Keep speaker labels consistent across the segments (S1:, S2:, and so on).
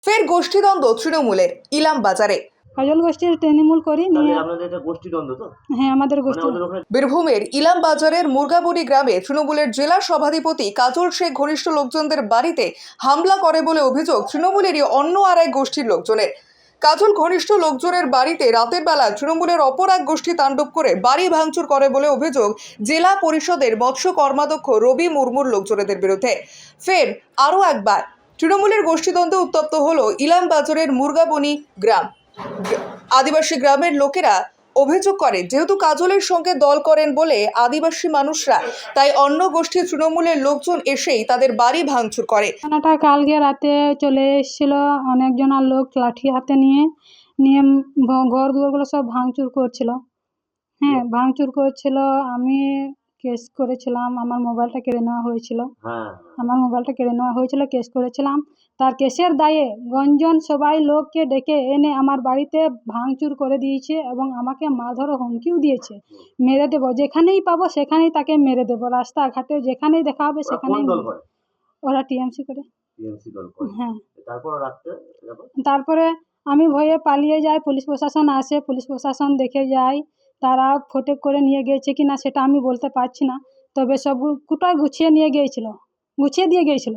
S1: ফের গোষ্ঠীদ্বন্দ্ব তৃণমূলের ইলাম বাজারে।
S2: কাজল গোষ্ঠীর তৃণমূল করি নিয়ে
S3: আপনাদের এটা গোষ্ঠীদ্বন্দ্ব তো?
S2: হ্যাঁ, আমাদের গোষ্ঠী।
S1: বীরভূমের ইলাম বাজারের মুরগাবড়ি গ্রামে তৃণমূলের জেলা সভাধিপতি কাজল শেখ ঘনিষ্ঠ লোকজনদের বাড়িতে হামলা করে বলে অভিযোগ তৃণমূলেরই অন্য আর এক গোষ্ঠীর লোকজনের। কাজল ঘনিষ্ঠ লোকজনের বাড়িতে রাতের বেলা তৃণমূলের অপর এক গোষ্ঠী তাণ্ডব করে বাড়ি ভাঙচুর করে বলে অভিযোগ জেলা পরিষদের মৎস্য কর্মাধ্যক্ষ রবি মুর্মুর লোকজনেদের বিরুদ্ধে। ফের আরও একবার তৃণমূলের গোষ্ঠীদ্বন্দ্বে উত্তপ্ত হলো ইলাম বাজারের মুরগাবনি গ্রাম। আদিবাসী গ্রামের লোকেরা অভিযোগ করে যেহেতু কাজলের সঙ্গে দল করেন বলে আদিবাসী মানুষরা, তাই অন্য গোষ্ঠীর তৃণমূলের লোকজন এসেই তাদের বাড়ি ভাঙচুর করে।
S2: ঘটনাটা কালকে রাতে চলে এসেছিল অনেকজন লোক লাঠি হাতে নিয়ে নিয়ে ঘর দুয়ারগুলো সব ভাঙচুর করছিল। হ্যাঁ, ভাঙচুর করছিল। আমি কেস করেছিলাম, আমার মোবাইলটা কেড়ে নেওয়া হয়েছিল। কেস করেছিলাম। তার কেসের দায়ে গঞ্জন সবাই লোককে ডেকে এনে আমার বাড়িতে ভাঙচুর করে দিয়েছে এবং আমাকে মারধর হুমকিও দিয়েছে, মেরে দেবো, যেখানেই পাবো সেখানেই তাকে মেরে দেবো, রাস্তাঘাটে যেখানেই দেখা হবে সেখানেই। ওরা টিএমসি করে। হ্যাঁ, তারপরে আমি ভয়ে পালিয়ে যাই, পুলিশ প্রশাসন আসে, পুলিশ প্রশাসন দেখে যায়। তারা ফটেক করে নিয়ে গিয়েছে কিনা সেটা আমি বলতে পারছি না, তবে সব কোটায় গুছিয়ে দিয়ে গিয়েছিল।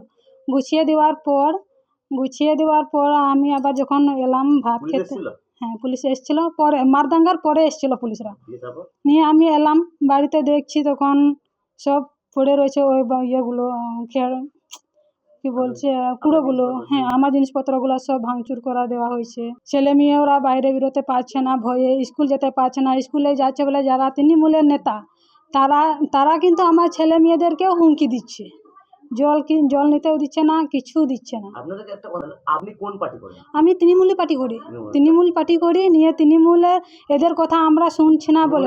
S2: গুছিয়ে দেওয়ার পর আমি আবার যখন এলাম ভাত খেতে, হ্যাঁ পুলিশ এসেছিল, পরে মারদাঙ্গার পরে এসেছিল পুলিশরা নিয়ে। আমি এলাম বাড়িতে, দেখছি তখন সব পড়ে রয়েছে ওই ইয়েগুলো, কি বলছে, কুড়োগুলো। হ্যাঁ, আমার জিনিসপত্রগুলো সব ভাঙচুর করা দেওয়া হয়েছে। ছেলে মেয়েরা বাইরে বেরোতে পারছে না, ভয়ে স্কুল যেতে পারছে না। স্কুলে যাচ্ছে বলে যারা তৃণমূলের নেতা তারা কিন্তু আমার ছেলে মেয়েদেরকেও হুমকি দিচ্ছে, জল নিতেও দিচ্ছে না, কিছু দিচ্ছে না।
S3: আপনি কোন পার্টি করেন?
S2: আমি তৃণমূল পার্টি করি নিয়ে তৃণমূলের এদের কথা আমরা শুনছি না বলে।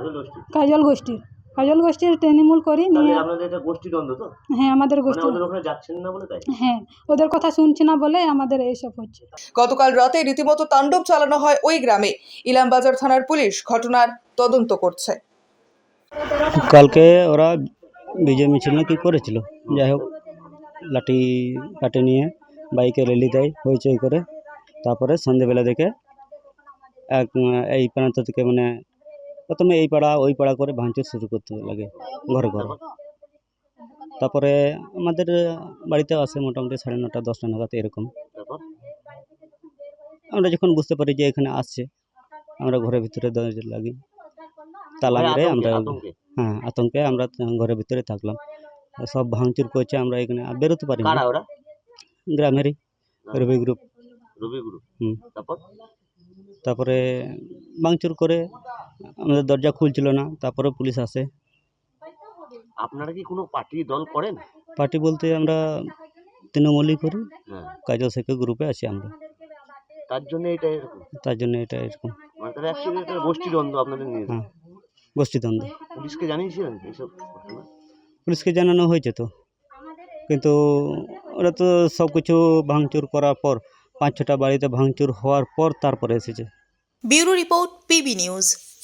S2: কাজল গোষ্ঠীর তৃণমূল করি নিয়ে।
S3: আপনাদের এটা গোষ্ঠীদ্বন্দ্ব তো?
S2: হ্যাঁ, আমাদের গোষ্ঠী।
S3: ওদের ওখানে যাচ্ছেন না বলে তাই?
S2: হ্যাঁ, ওদের কথা শুনছি না বলে আমাদের এইসব হচ্ছে।
S1: গতকাল রাতে রীতিমতো তাণ্ডব চালানো হয় ওই গ্রামে। ইলামবাজার থানার পুলিশ ঘটনার তদন্ত করছে।
S4: কালকে ওরা বিজয় মিছিল না কি করেছিল, যাই হোক লাঠি কাটে নিয়ে বাইকে র্যালি দেয় হইচই করে। তারপরে সন্ধেবেলা দেখে এই প্রান্ত থেকে মানে প্রথমে এই পাড়া ওই পাড়া করে ভাঙচুর শুরু করতে লাগে ঘরে ঘরে। তারপরে আমাদের বাড়িতে আসে মোটামুটি 9:30 10টা নাগাদ এরকম। আমরা যখন বুঝতে পারি যে এখানে আসছে, আমরা ঘরের ভিতরে দরজা লাগি, তালা মেরে আমরা, হ্যাঁ আতঙ্কে আমরা ঘরের ভিতরে থাকলাম। সব ভাঙচুর করছে, আমরা এখানে বেরোতে পারি না। গ্রামেরই রবি গ্রুপ। তারপরে ভাঙচুর করে আমাদের দরজা খুলছিল না, তারপরে পুলিশ আসে।
S3: আপনারা কি কোনো পার্টি দল করেন?
S4: পার্টি বলতে আমরা তৃণমূলই করি, কাজল শেখের গ্রুপে আছি আমরা।
S3: তার জন্য এটা এরকম। মানে তাহলে অ্যাকচুয়ালি এটা গোষ্ঠীদ্বন্দ্ব আপনাদের নিয়ে।
S4: হ্যাঁ, গোষ্ঠীদ্বন্দ্ব।
S3: পুলিশকে জানিয়েছিলেন এইসব?
S4: পুলিশকে জানানো হয়েছে তো, কিন্তু ওরা তো সব কিছু ভাঙচুর করার পর 5-6টা বাড়িতে ভাঙচুর হওয়ার পর তারপরে এসেছে।
S5: Bureau report, PB news.